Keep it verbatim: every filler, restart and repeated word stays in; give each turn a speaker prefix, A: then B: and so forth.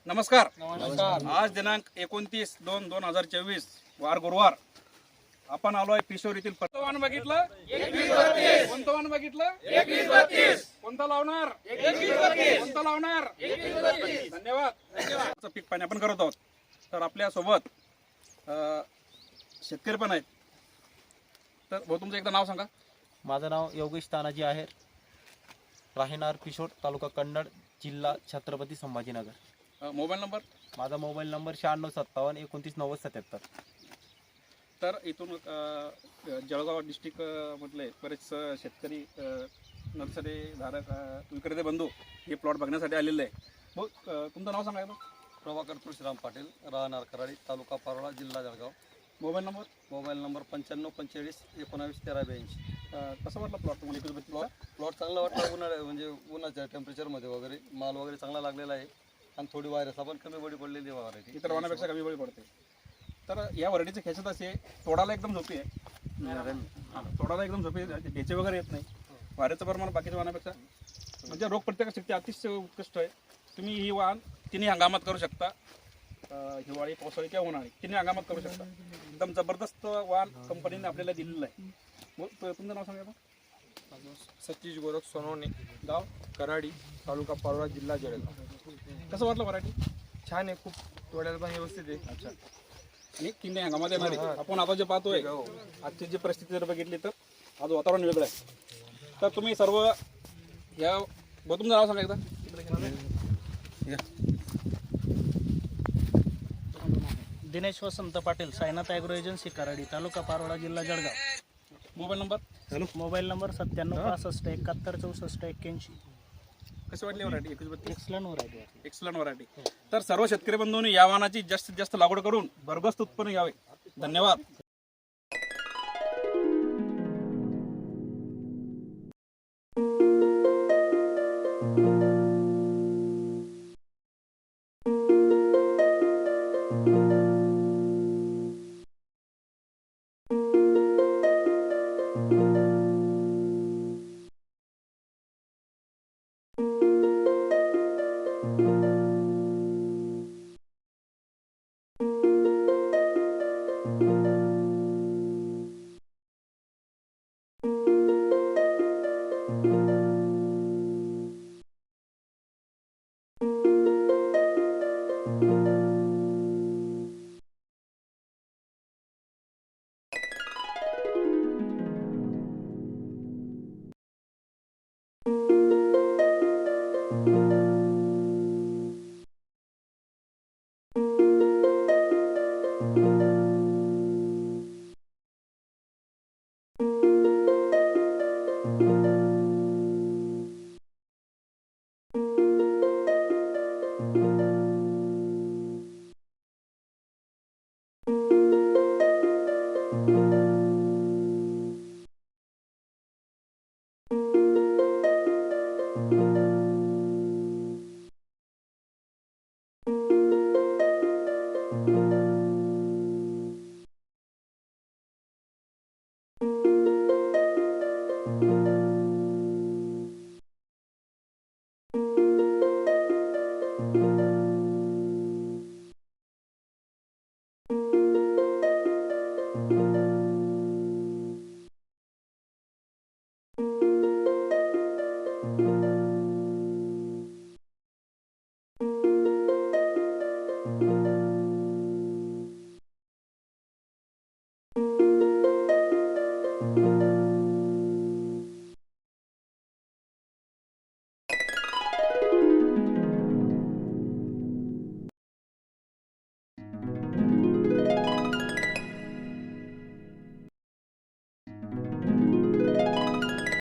A: नमस्कार.
B: नमस्कार.
A: आज दिनांक एकोणतीस दोन दोन हजार चोवीस वार गुरुवार. आपण आलोय पिशोर येथील वाहन बघितलं कोणतं वाहन बघितलं कोणता लावणार कोणता लावणार धन्यवाद. धन्यवाद. पीक पाणी आपण करत आहोत. तर आपल्या सोबत शेतकरी पण आहेत. तर भाऊ तुमचं एकदा नाव सांगा.
B: माझं नाव योगेश तानाजी आहे, राहणार पिशोर, तालुका कन्नड, जिल्हा छत्रपती संभाजीनगर.
A: Mobile number.
B: माझा मोबाईल नंबर शहाण्णव सत्तावन्न एकोणतीस नव्वद सत्याहत्तर.
A: तर इथून जळगाव डिस्ट्रिक्ट मधले बरेच शेतकरी नर्सरी धारक विक्रेते बंधू हे प्लॉट बघण्यासाठी आलेले आहे. मग तुमचं नाव सांगायचं.
C: प्रभाकर तुळशीराम पाटील, राहणार कराडी, तालुका पारोळा, जिल्हा Jalgaon.
A: Mobile number.
C: Mobile number पंच्याण्णव पंचेचाळीस एकोणावीस तेरा ब्याऐंशी.
A: कसं वाटलं प्लॉट तुम्हाला?
C: प्लॉट प्लॉट चांगला वाटला. उन्हाळ्या म्हणजे उन्हाच्या टेम्परेचरमध्ये वगैरे माल वगैरे चांगला लागलेला आहे आणि थोडी व्हायरस आपण कमी बळी पडलेली व्हरायटी,
A: इतर वाहनापेक्षा कमी बळी पडते. तर या व्हरायटीची खेचत असे तोडाला एकदम झोपी आहे. तोडाला एकदम झोपी, ढेचे वगैरे येत नाही. वाऱ्याचं प्रमाण बाकीच्या वाहनापेक्षा म्हणजे रोग प्रतिकार शक्ती अतिशय उत्कृष्ट आहे. तुम्ही ही वाहन तिन्ही हंगामात करू शकता, हिवाळी, पावसाळी किंवा उन्हाळी तिन्ही हंगामात करू शकता. एकदम जबरदस्त वाहन कंपनीने आपल्याला दिलेलं आहे. मग तुमचं नाव सांगा.
D: सतीश गोरख सोनवणे,
A: गाव
D: कराडी, तालुका पारोळा, जिल्हा जळगाव.
A: कसं वाटलं व्हरायटी?
D: छान आहे, खूप तोड्याला पण व्यवस्थित आहे.
A: अच्छा. आणि तिन्ही हंगामात येणार आहे. आपण आता जे पाहतोय आजची जी परिस्थिती जर बघितली तर आज वातावरण वेगळं आहे. तर तुम्ही सर्व या तुमचं नाव सांगा एकदा.
E: दिनेश वसंत पाटील, सायनाथ ॲग्रो एजन्सी कराडी, तालुका पारोळा, जिल्हा Jalgaon.
A: Mobile number. Hello.
E: Mobile number सत्त्याण्णव पासष्ट एकाहत्तर चौसष्ट एक्क्याऐंशी.
A: कशी वाटली व्हरायटी? एकवीस बत्तीस
E: एक्सलन व्हरायटी.
A: Excellent variety. तर सर्व शेतकरी बंधूंनी या वाहनाची जास्तीत जास्त लागवड करून भरगस्त उत्पन्न घ्यावे. धन्यवाद.